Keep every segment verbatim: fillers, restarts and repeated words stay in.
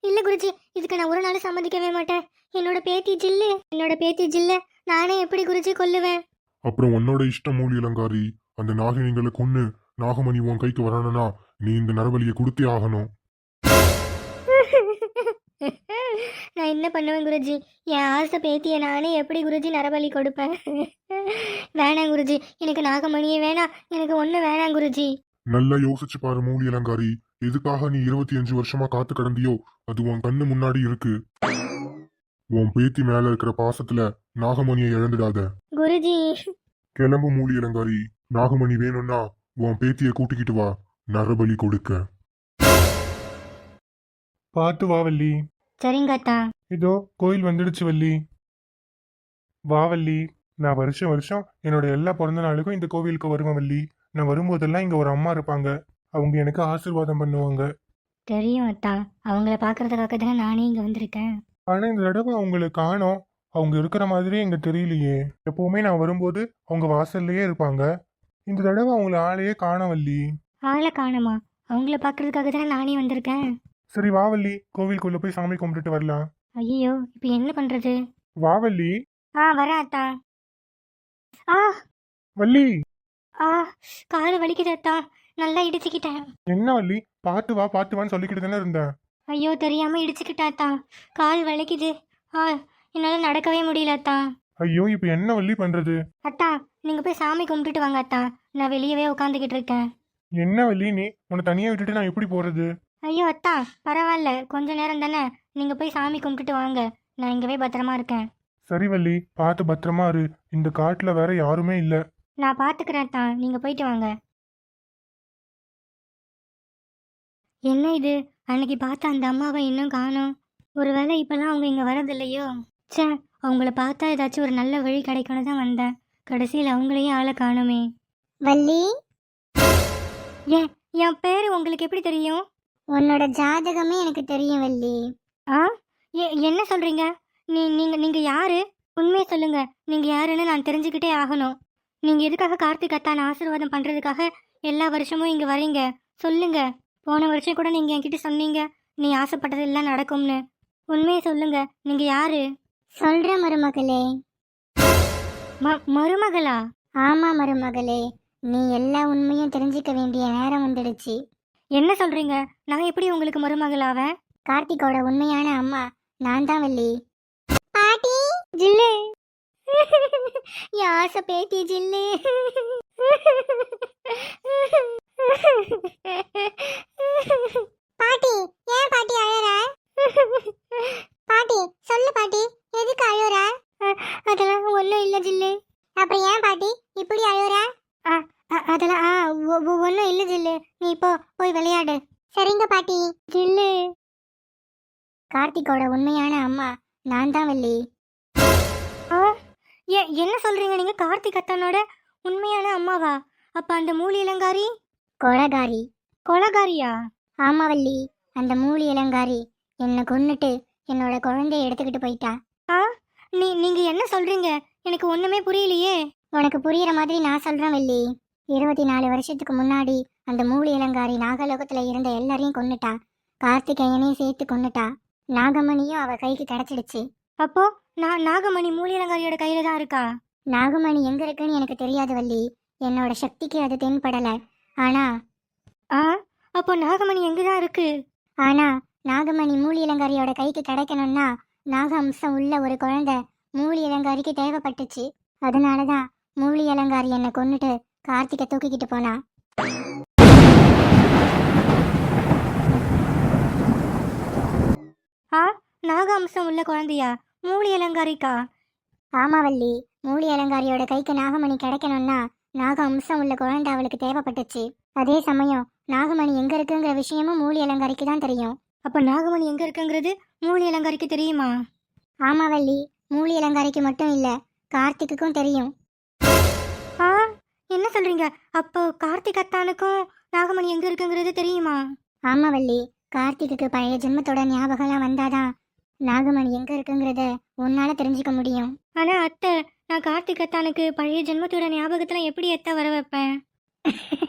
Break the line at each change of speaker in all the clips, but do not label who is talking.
இல்ல குருஜி, இதுக்கு நான் ஒரு நாள் சம்மதிக்கவே மாட்டேன். என்னோட பேத்தி ஜில்லு என்னோட பேத்தி ஜில்ல நானே எப்படி குருஜி கொல்லுவேன்?
அப்புறம் உன்னோட இஷ்டம் மூலி அலங்காரி. அந்த நாகினிங்களை கொன்னு நாகமணி உன் கைக்கு வரணும்னா நீ இந்த நரபலியை கொடுத்தே ஆகணும்.
நான் என்ன பண்ணுவேன் குருஜி? என் ஆசை பேத்திய நானே எப்படி குருஜி நரபலி கொடுப்பேன்? வேணாம் குருஜி, எனக்கு நாகமணியே வேணாம், எனக்கு ஒண்ணு வேணாம் குருஜி.
நல்லா யோசிச்சு பாரு மூலி அலங்காரி. எதுக்காக நீ இருபத்தி அஞ்சு வருஷமா காத்து கடந்தியோ அது உன் கண்ணு முன்னாடி இருக்கு. உன் பேத்தி மேல இருக்கிற பாசத்துல நாகமணியை இழந்துடாத.
குருஜி
கிளம்பு மூலி அலங்காரி. நாகமணி வேணும்னா உன் பேத்திய கூட்டிக்கிட்டு வா, நரபலி கொடுக்க.
பார்த்து வா வள்ளி.
சரிங்க அத்தா.
இதோ கோயில் வந்துடுச்சு வள்ளி. வா வள்ளி. நான் வருஷம் வருஷம் என்னோட எல்லா பிறந்த நாளுக்கும் இந்த கோவிலுக்கு வருவேன் வள்ளி. நான் வரும்போதெல்லாம் இங்க ஒரு அம்மா இருப்பாங்க. அவங்க எனக்கு ஆசீர்வாதம் பண்ணுவாங்க.
தெரியும் அத்தா, அவங்கள பாக்குறதுக்காக தானே நானே இங்க வந்திருக்கேன்.
ஆனா இந்த தடவை அவங்கள காணோம். அவங்க இருக்கிற மாதிரியே இங்க தெரியலையே. எப்பவுமே நான் வரும்போது அவங்க வாசல்லையே இருப்பாங்க. இந்த தடவை அவங்கள ஆளையே காணோம் வள்ளி.
ஆளை காணுமா? அவங்கள பாக்குறதுக்காக தானே நானே வந்திருக்கேன்.
சரி வா வள்ளி, கோவிலுக்குள்ள போய் சாமி கும்பிட்டுட்டு வரலாம்.
ஐயோ, இப்ப என்ன பண்றது?
வா வள்ளி.
ஆ வரேன் அத்தா. ஆ
வள்ளி.
ஆ காது வலிக்குது அத்தா, நல்லா இடிச்சுக்கிட்டேன்.
என்ன வள்ளி? பார்த்து வா பார்த்து வான்னு சொல்லிக்கிட்டு தானே இருந்தேன்.
ஐயோ, தெரியாம இடிச்சுக்கிட்டா அத்தா, கால் வலிக்குது. ஆ என்னால நடக்கவே முடியல அத்தா.
ஐயோ இப்ப என்ன வள்ளி பண்றது?
அத்தா, நீங்க போய் சாமி கும்பிட்டுட்டு வாங்க அத்தா, நான் வெளியவே உட்காந்துக்கிட்டு இருக்கேன்.
என்ன வள்ளி நீ? உன்னை தனியா விட்டுட்டு நான் எப்படி போறது?
ஐயோ அத்தா, பரவாயில்ல, கொஞ்ச நேரம் தானே, நீங்க போய் சாமி கும்பிட்டுட்டு வாங்க, நான் இங்கவே பத்திரமா இருக்கேன்.
சரி வள்ளி, பார்த்து பத்திரமா இரு. இந்த காட்டுல வேற யாருமே இல்ல.
நான் பாத்துக்கிறேன் அத்தா, நீங்க போயிட்டு வாங்க. என்ன இது, அன்னைக்கு பார்த்த அந்த அம்மாவை இன்னும் காணோம். ஒருவேளை இப்பெல்லாம் அவங்க இங்க வரதில்லையோ? ச்சே, அவங்கள பார்த்தா ஏதாச்சும் ஒரு நல்ல வழி கிடைக்கணும் தான் வந்தேன். கடைசியில் அவங்களையும் ஆளை காணுமே. வள்ளி, ஏன் என் பேரு உங்களுக்கு எப்படி தெரியும்? உன்னோட ஜாதகமே எனக்கு தெரியும் வள்ளி. ஆ எ- என்ன சொல்றீங்க? நீ நீங்க நீங்க யாரு? உண்மையை சொல்லுங்க, நீங்க யாருன்னு நான் தெரிஞ்சுக்கிட்டே ஆகணும். நீங்க எதுக்காக கார்த்திக் அத்தான ஆசீர்வாதம் பண்றதுக்காக எல்லா வருஷமும் இங்க வரீங்க? சொல்லுங்க. போன வருஷம் கூட நீங்க என்கிட்ட சொன்னீங்க நீ ஆசைப்பட்டது எல்லாம் நடக்கும்னு. உண்மையை சொல்லுங்க, நீங்க யாரு? சொல்ற மருமகளே. மருமகளா? ஆமா மருமகளே, நீ எல்லா உண்மையும் தெரிஞ்சுக்க வேண்டிய நேரம் வந்துடுச்சு. என்ன சொல்றீங்க? நான் எப்படி உங்களுக்கு மருமகளாவேன்? கார்த்திகோட உண்மையான அம்மா நான் தான் வள்ளி. பாட்டி ஜில்லு, யாச பேத்தி ஜில்லு. பாட்டி, ஏன் பாட்டி அழற? பாட்டி சொல்லு பாட்டி, எதுக்கு அழுற? அதெல்லாம் ஒன்றும் இல்லை ஜில்லு. அப்புறம் ஏன் பாட்டி இப்படி அழுற? அதெல்லாம் ஒன்றும் இல்லை ஜில்லு, நீ இப்போ போய் விளையாடு. சரிங்க பாட்டி. ஜில்லு, கார்த்திகோட உண்மையான அம்மா நான் தான் வள்ளி. என்ன சொல்றீங்க நீங்க? கார்த்திக் அத்தானோட உண்மையான அம்மாவா? அப்ப அந்த மூலி இளங்காரி கொலகாரி. கொலகாரியா? ஆமா வள்ளி, அந்த மூலி இளங்காரி என்னை கொன்னுட்டு என்னோட குழந்தைய எடுத்துக்கிட்டு போயிட்டா. ஆ நீ நீங்க என்ன சொல்றீங்க? எனக்கு ஒண்ணுமே புரியலையே. உனக்கு புரியுற மாதிரி நான் சொல்றேன் வள்ளி. இருபத்தி நாலு வருஷத்துக்கு முன்னாடி அந்த மூலி இளங்காரி நாகலோகத்துல இருந்த எல்லாரையும் கொன்னுட்டா. கார்த்திகேயனையும் சேர்த்து கொன்னுட்டா. நாகமணியும் அவ கைக்கு கிடைச்சிடுச்சு. அப்போ நான் நாகமணி மூலி இளங்காரியோட கையில தான் இருக்கா? நாகமணி எங்க இருக்குன்னு எனக்கு தெரியாது வள்ளி. என்னோட சக்திக்கு அது தென்படல. ஆனா ஆ அப்போ நாகமணி எங்கதான் இருக்கு? ஆனா நாகமணி மூலி இளங்காரியோட கைக்கு கிடைக்கணும்னா நாக அம்சம் உள்ள ஒரு குழந்தை மூலி இளங்காரிக்கு தேவைப்பட்டுச்சு. அதனாலதான் மூலி இளங்காரி என்னை கொன்னுட்டு கார்த்திகை தூக்கிக்கிட்டு போனா. ஆ நாக அம்சம் உள்ள குழந்தையா மூலி இளங்காரிக்கா? ஆமா வள்ளி, மூலி இளங்காரியோட கைக்கு நாகமணி கிடைக்கணும்னா நாக அம்சம் உள்ள குழந்தை அவளுக்கு தேவைப்பட்டுச்சு. அதே சமயம் நாகமணி எங்க இருக்குங்கிற விஷயமும் மூலி இளங்காரிக்கு தான் தெரியும். அப்ப நாகமணி எங்க இருக்குங்கிறது மூலி இளங்காரிக்கு தெரியுமா? ஆமா வள்ளி, மூலி இளங்காரிக்கு மட்டும் இல்ல, கார்த்திக்குக்கும் தெரியும். ஆ என்ன சொல்றீங்க? அப்போ கார்த்திக் அத்தானுக்கும் நாகமணி எங்க இருக்குங்கிறது தெரியுமா? ஆமா வள்ளி, கார்த்திக்கு பழைய ஜென்மத்தோட ஞாபகம்லாம் வந்தாதான் நாகமணி எங்க இருக்குங்கிறத உன்னால தெரிஞ்சுக்க முடியும். ஆனா அத்தை, நான் கார்த்திக் அத்தானுக்கு பழைய ஜென்மத்தோட ஞாபகத்துல எப்படி அத்தை வர வைப்பேன்?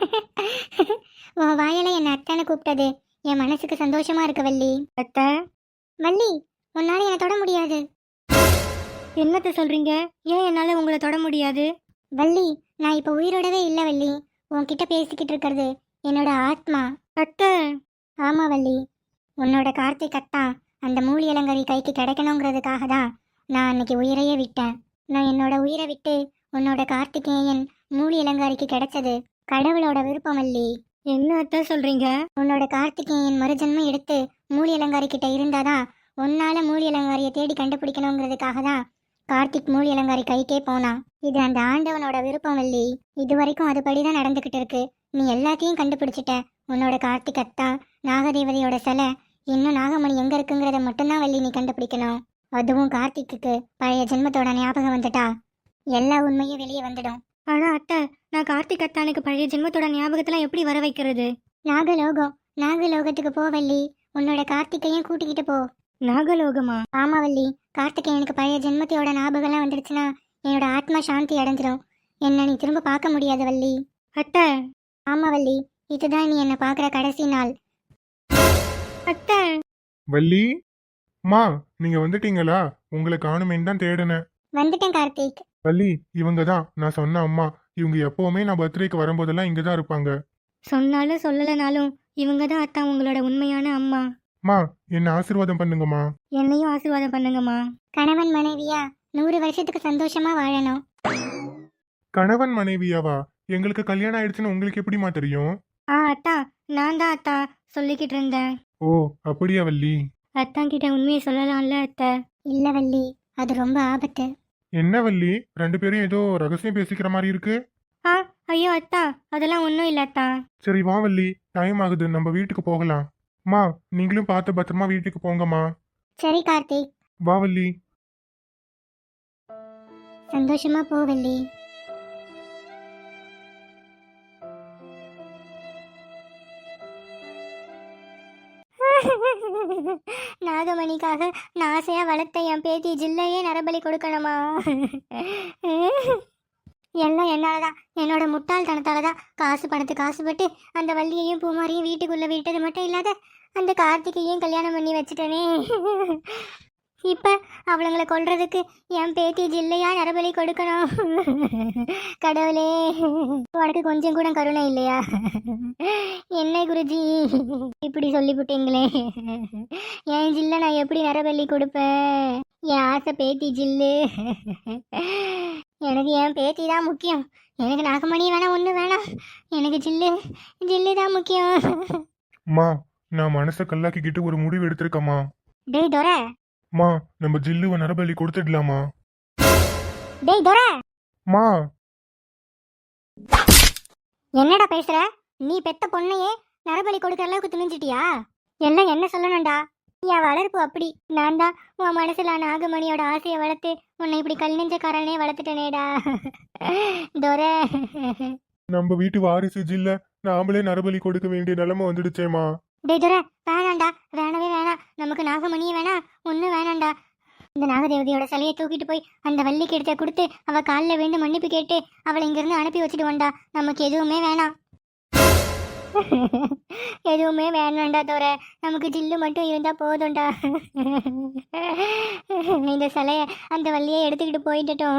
உன் வாயில என் அத்தானை கூப்பிட்டது என் மனசுக்கு சந்தோஷமா இருக்கு வள்ளி. அத்தை, வள்ளி, உன்னால என்னை தொட முடியாது. என்னத்த சொல்றீங்க? ஏன் என்னால உங்களை தொட முடியாது? வள்ளி, நான் இப்ப உயிரோடவே இல்ல வள்ளி. உன்கிட்ட பேசிக்கிட்டு இருக்கிறது என்னோட ஆத்மா. அத்தை. ஆமா வள்ளி, உன்னோட கார்த்திக் அத்தான் அந்த மூலி இளங்கரி கைக்கு கிடைக்கணுங்கிறதுக்காக தான் நான் அன்னைக்கு உயிரையே விட்டேன். நான் என்னோட உயிரை விட்டு உன்னோட கார்த்திகேயன் மூலி இளங்காரிக்கு கிடைச்சது கடவுளோட விருப்பம் வள்ளி. என்ன அத்தை சொல்றீங்க? உன்னோட கார்த்திகேயன் மறுஜன்மம் எடுத்து மூலி இளங்காரி கிட்ட இருந்தாதான் உன்னால மூலி இளங்காரியை தேடி கண்டுபிடிக்கணுங்கிறதுக்காக தான் கார்த்திக் மூலி இளங்காரி கைக்கே போனான். இது அந்த ஆண்டவனோட விருப்பம் வள்ளி. இது வரைக்கும் அதுபடிதான் நடந்துகிட்டு இருக்கு. நீ எல்லாத்தையும் கண்டுபிடிச்சிட்ட. உன்னோட கார்த்திக் அத்தா, நாகதேவதையோட சிலை, இன்னும் நாகமணி எங்க இருக்குங்கிறத மட்டும்தான் வள்ளி நீ கண்டுபிடிக்கணும். அதுவும் கார்த்திக்கு பழைய ஜென்மத்தோட ஞாபகம் வந்துட்டா எல்லா உண்மையும் வெளியே வந்துடும். ஆனா அத்தை, நான் கார்த்திக் அத்தானுக்கு பழைய ஜென்மத்தோட ஞாபகத்தெல்லாம் எப்படி வர வைக்கிறது? நாகலோகம், நாகலோகத்துக்கு போ வள்ளி. உன்னோட கார்த்திகையும் கூட்டிக்கிட்டு போ. நாகலோகமா? ஆமா வள்ளி, கார்த்திகேயனுக்கு பழைய ஜென்மத்தையோட ஞாபகம்லாம் வந்துடுச்சுன்னா என்னோட ஆத்மா சாந்தி அடைஞ்சிடும். என்ன நீ திரும்ப பார்க்க முடியாது வள்ளி. அத்தை. ஆமா வள்ளி, இதுதான் நீ என்ன பார்க்குற கடைசி நாள். அத்தை.
வள்ளி, மா நீங்க வந்துட்டீங்களா? உங்களை காணுமேன்னு தான் தேடினேன்.
வந்துட்டேன் கார்த்திக்.
வள்ளி, இவங்க தான் நான் சொன்ன அம்மா. இவங்க எப்பவுமே நான் பர்த்டேக்கு வரும்போதெல்லாம் இங்க தான் இருப்பாங்க.
சொன்னாலும் சொல்லலைனாலும் இவங்க தான் அத்தா உங்களோட உண்மையான அம்மா.
மா, என்ன ஆசீர்வாதம் பண்ணுங்கம்மா.
என்னையும் ஆசீர்வாதம் பண்ணுங்கம்மா. கணவன் மனைவியா நூறு வருஷத்துக்கு சந்தோஷமா வாழணும்.
கணவன் மனைவியாவா? எங்களுக்கு கல்யாணம் ஆயிடுச்சுன்னு உங்களுக்கு எப்படிமா தெரியும்?
ஆ அத்தா, நான் தான் அத்தா சொல்லிக்கிட்டு இருந்தேன்.
ஓ, அப்படியா வள்ளி?
அத்தான் கிட்ட உண்மையை சொல்லலாம்ல அத்தை? இல்ல வள்ளி, அது ரொம்ப ஆபத்து.
என்ன வள்ளி, ரெண்டு பேரும் ஏதோ ரகசியம் பேசிக்கிற மாதிரி இருக்கு.
ஆ ஐயோ அத்தா, அதெல்லாம் ஒன்றும் இல்லை அத்தா.
சரி வா வள்ளி, டைம் ஆகுது, நம்ம வீட்டுக்கு போகலாம். மா, நீங்களும் பார்த்து பத்திரமா வீட்டுக்கு போங்கம்மா.
சரி கார்த்திக்.
வா வள்ளி.
சந்தோஷமா போ வள்ளி. நாகமணிக்காக நான் ஆசையா வளர்த்த என் பேத்தி ஜில்லையே நரபலி கொடுக்கணுமா? எல்லாம் என்னாலதான், என்னோட முட்டாள்தனத்தாலதான். காசு பணத்துக்கு காசுபட்டு அந்த வள்ளியையும் பூமாரியும் வீட்டுக்குள்ள விட்டது மட்டும் இல்லாத அந்த கார்த்திகையும் கல்யாணம் பண்ணி வச்சுட்டனே. இப்ப அவளுங்களை கொல்றதுக்கு என் பேத்தி ஜில்லையா நரபலி கொடுக்கணும். கடவுளே, உனக்கு கொஞ்சம் கூட கருணை இல்லையா? என்ன குருஜி இப்படி சொல்லிவிட்டீங்களே. என் ஜில்ல நான் எப்படி நரபலி கொடுப்பேன்? என் ஆசை பேத்தி ஜில்லு. எனக்கு என் பேத்தி தான் முக்கியம். எனக்கு நாகமணி வேணாம், ஒண்ணு வேணாம். எனக்கு ஜில்லு ஜில்லு தான் முக்கியம்.
மா, நான் மனசை கல்லாக்கிக்கிட்டு ஒரு முடிவு எடுத்திருக்கம்மா.
டேய் டொரை.
மா, நம்ம ஜில்லுவை நரபலி கொடுத்துடலாமா?
டேய் டொரை.
மா,
என்னடா பேசுற? நீ பெத்த பொண்ணையே நரபலி கொடுக்கற அளவுக்கு துணிஞ்சிட்டியா? எல்லாம் என்ன சொல்லணும்டா? என் வளர்ப்பு அப்படி. நான் தான் உன் மனசுல நாகமணியோட ஆசையை வளர்த்து உன்னை இப்படி கல் நெஞ்சக்காரனே வளர்த்துட்டேனேடா. டொரை.
நம்ம வீட்டு வாரிசு ஜில்ல நாமளே நரபலி கொடுக்க வேண்டிய நிலைமை வந்துடுச்சேமா.
டேய் டொரை, வேணாண்டா, வேணவே வேணாம். நமக்கு நாகமணியே வேணாம், ஒன்றும் வேணாண்டா. இந்த நாகதேவதையோட சிலையை தூக்கிட்டு போய் அந்த வள்ளிக்கு எடுத்த கொடுத்து அவ காலில் விழுந்து மன்னிப்பு கேட்டு அவளை இங்கிருந்து அனுப்பி வச்சுடுவோண்டா. நமக்கு எதுவுமே வேணாம். எதுவுமே வேணாண்டா தோற, நமக்கு ஜில்லு மட்டும் இருந்தா போதும்டா. இந்த சிலைய அந்த வள்ளியை எடுத்துக்கிட்டு போயிட்டோம்.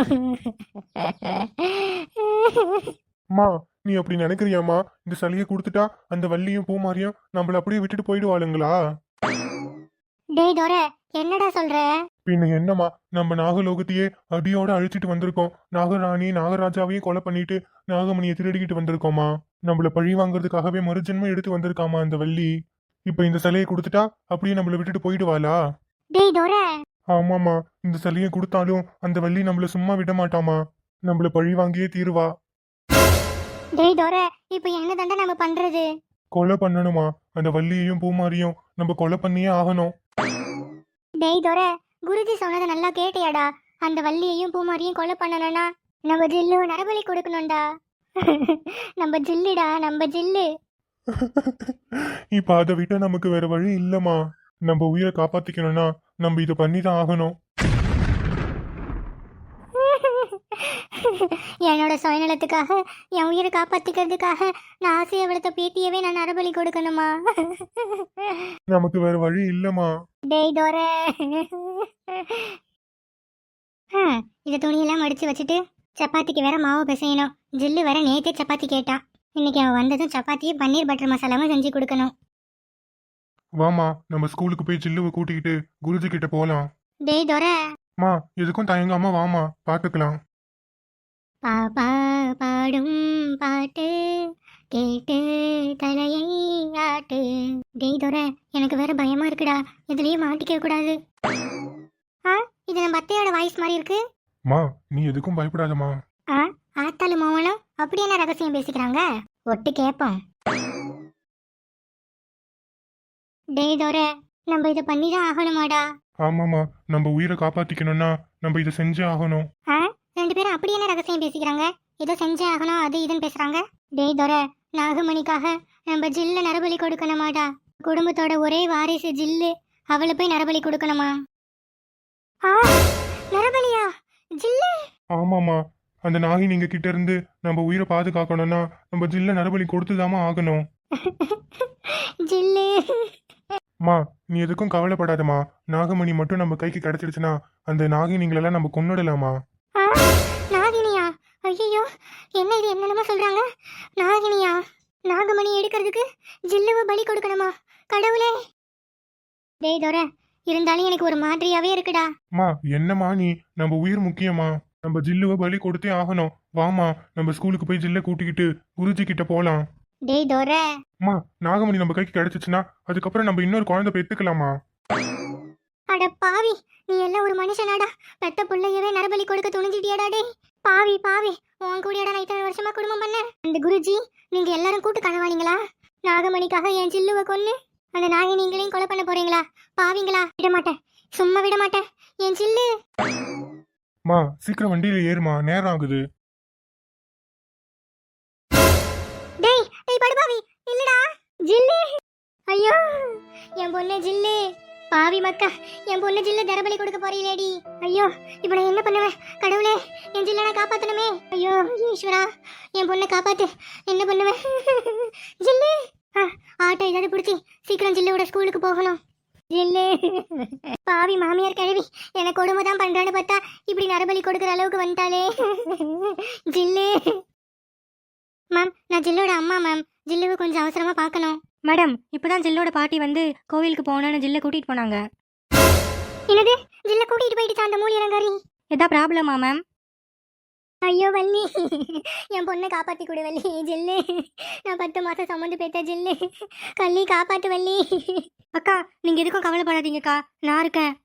மா, நீ அப்படி நினைக்கிறியாமா? இந்த சளியை கொடுத்துட்டா அந்த வள்ளியும் பூமாரியும் நம்மள அப்படியே விட்டுட்டு போயிடுவாளுங்களா?
டேய் டோர, என்னடா சொல்ற?
பின்ன என்னம்மா, நம்ம நாகலோகத்தையே அடியோட அழிச்சிட்டு வந்திருக்கோம். நாகராணி நாகராஜாவையும் கொலை பண்ணிட்டு நாகமணியை திருடிக்கிட்டு வந்திருக்கோமா. நம்மள பழி வாங்குறதுக்காகவே மறுஜென்மம் எடுத்து வந்திருக்காமா அந்த வள்ளி. இப்ப இந்த சிலையை கொடுத்துட்டா அப்படியே நம்மள விட்டுட்டு போயிடுவாளா?
டேய் டோர.
ஆமாமா, இந்த சிலையை கொடுத்தாலும் அந்த வள்ளி நம்மள சும்மா விட மாட்டாமா. நம்மள பழி வாங்கியே தீருவா.
டேய் டோர, இப்ப என்ன தண்டை நம்ம பண்றது?
கொலை பண்ணணுமா? அந்த வள்ளியையும் பூமாரியும் நம்ம கொலை பண்ணியே ஆகணும்.
டேய் டோர, குருஜி சொன்னதை நல்லா கேட்டியாடா? அந்த வள்ளியையும் பூமாரியும் கொலை பண்ணணும்னா நம்ம ஜில்லு நரபலி கொடுக்கணும்டா. நம்ம ஜில்லுடா, நம்ம ஜில்லு.
இப்ப அதை விட நமக்கு வேற வழி இல்லம்மா. நம்ம உயிரை காப்பாத்திக்கணும்னா நம்ம இதை பண்ணிதான் ஆகணும்.
என்னோட சுயநலத்துக்காக, என் உயிரை காப்பாத்திக்கிறதுக்காக நான் ஆசையை வளர்த்த பேத்தியவே நான் நரபலி கொடுக்கணுமா?
நமக்கு வேற வழி இல்லம்மா.
டேய் தோர இதை துணியெல்லாம் மடிச்சு வச்சுட்டு சப்பாத்திக்கு வேற மாவு பிசையணும். ஜில்லு வேற நேத்தே சப்பாத்தி கேட்டா. இன்னைக்கு அவன் வந்ததும் சப்பாத்தியும் பன்னீர் பட்டர் மசாலாவும் செஞ்சு கொடுக்கணும்.
வாமா நம்ம ஸ்கூலுக்கு போய் ஜில்லுவை கூட்டிக்கிட்டு குருஜி கிட்ட போலாம்.
டேய் தோர
மா எதுக்கும் தயங்காம வாமா, பாத்துக்கலாம்.
பாப்பா பாடும் பாட்டு கேட்டு தலையை ஆட்டு. டேய் தோர எனக்கு வேற பயமா இருக்குடா, இதுலயே மாட்டிக்க கூடாது. ஆ இது நம்ம அத்தையோட வாய்ஸ் மாதிரி இருக்கு.
மா நீ எதுக்கும் பயப்படாதமா.
ஆ ஆத்தாளு மாவனும் அப்படி என்ன ரகசியம் பேசிக்கிறாங்க, ஒட்டு கேப்போம். டேய் தோர நம்ம இதை பண்ணிதான் ஆகணுமாடா?
ஆமாமா, நம்ம உயிரை காப்பாத்திக்கணும்னா நம்ம இதை செஞ்சே ஆகணும்.
ஆ ரெண்டு பேரும் அப்படி என்ன ரகசியம் பேசிக்கிறாங்க, ஏதோ செஞ்சே ஆகணும் அது இதுன்னு பேசுறாங்க. டேய் தோர நாகமணிக்காக நம்ம ஜில்ல நரபலி கொடுக்கணுமாடா? குடும்பத்தோட ஒரே வாரிசு ஜில்லு, அவளை போய் நரபலி கொடுக்கணுமா? ஆ நரபலியா ஜில்லு?
ஆமாமா, அந்த நாகி நீங்க கிட்ட இருந்து நம்ம உயிரை பாதுகாக்கணும்னா நம்ம ஜில்ல நரபலி கொடுத்துதாமா ஆகணும்.
ஜில்லு
மா நீ எதுக்கும் கவலைப்படாதமா. நாகமணி மட்டும் நம்ம கைக்கு கிடைச்சிடுச்சுன்னா அந்த நாகினிங்களெல்லாம் நம்ம கொன்னுடலாமா.
ஆ, நாகினியா? ஐயோ என்ன இது என்னென்னமோ சொல்றாங்க. நாகினியா? நாகமணி எடுக்கிறதுக்கு ஜில்லுவை பலி கொடுக்கணுமா? கடவுளே. டேய் தோர இருந்தாலும் எனக்கு ஒரு மாதிரியாவே இருக்குடா.
மா என்னம்மா நீ, நம்ம உயிர் முக்கியமா, நம்ம ஜில்லுவை பலி கொடுத்தே ஆகணும். வாமா நம்ம ஸ்கூலுக்கு போய் ஜில்ல கூட்டிக்கிட்டு குருஜி கிட்ட போலாம்.
டேய் தோர
மா நாகமணி நம்ம கைக்கு கிடைச்சிச்சுன்னா அதுக்கப்புறம் நம்ம இன்னொரு குழந்தை பெத்துக்கலாமா.
அட பாவி, நீ எல்லாம் ஒரு மனுஷனாடா? பெத்த புள்ளையவே நரபலி கொடுக்க துணிஞ்சிட்டியாடா? டேய் பாவி பாவி, உன் கூடியடா நான் இத்தனை வருஷமா குடும்பம் பண்ண. அந்த குருஜி நீங்க எல்லாரும் கூட்டு கனவாளிங்களா? நாகமணிக்காக என் ஜில்லுவை கொன்னு அந்த நாகை நீங்களையும் கொலை பண்ண போறீங்களா? பாவிங்களா? விட மாட்டேன், சும்மா விட மாட்டேன். என் ஜில்லு.
மா சீக்கிரம் வண்டியில ஏறுமா, நேரம் ஆகுது.
டேய் டேய் படுபாவி இல்லடா ஜில்லு. ஐயோ என் பொண்ணு ஜில்லு. பாவி மக்கா, என் பொண்ணு ஜில்லு தரபலி கொடுக்க போறீங்களேடி. ஐயோ இப்ப நான் என்ன பண்ணுவேன்? கடவுளே என் ஜில்ல நான் காப்பாத்தணுமே. ஐயோ ஈஸ்வரா என் பொண்ணை காப்பாத்து. என்ன பண்ணுவேன்? ஜில்லு ஆட்டோ ஏதாவது பிடிச்சி சீக்கிரம் ஜில்லுவோட ஸ்கூலுக்கு போகணும். ஜில்லு பாவி மாமியார் கிழவி எனக்கு கொடுமை தான் பண்றான்னு பார்த்தா இப்படி நரபலி கொடுக்குற அளவுக்கு வந்துட்டாலே. ஜில்லு மேம், நான் ஜில்லோட அம்மா மேம். ஜில்லுவை கொஞ்சம் அவசரமா பார்க்கணும்.
மேடம் இப்பதான் ஜில்லோட பாட்டி வந்து கோவிலுக்கு போகணும்னு ஜில்ல கூட்டிட்டு போனாங்க.
என்னது? ஜில்ல கூட்டிட்டு போயிட்டு அந்த மூலி இறங்காரி?
எதா ப்ராப்ளமா மேம்?
ஐயோ வள்ளி, என் பொண்ணை காப்பாத்தி கொடு வள்ளி. ஜில்லு நான் பத்து மாசம் சம்மந்து பேத்த ஜில்லு. கள்ளி காப்பாத்து வள்ளி.
அக்கா நீங்க எதுக்கும் கவலைப்படாதீங்கக்கா, நான் இருக்கேன்.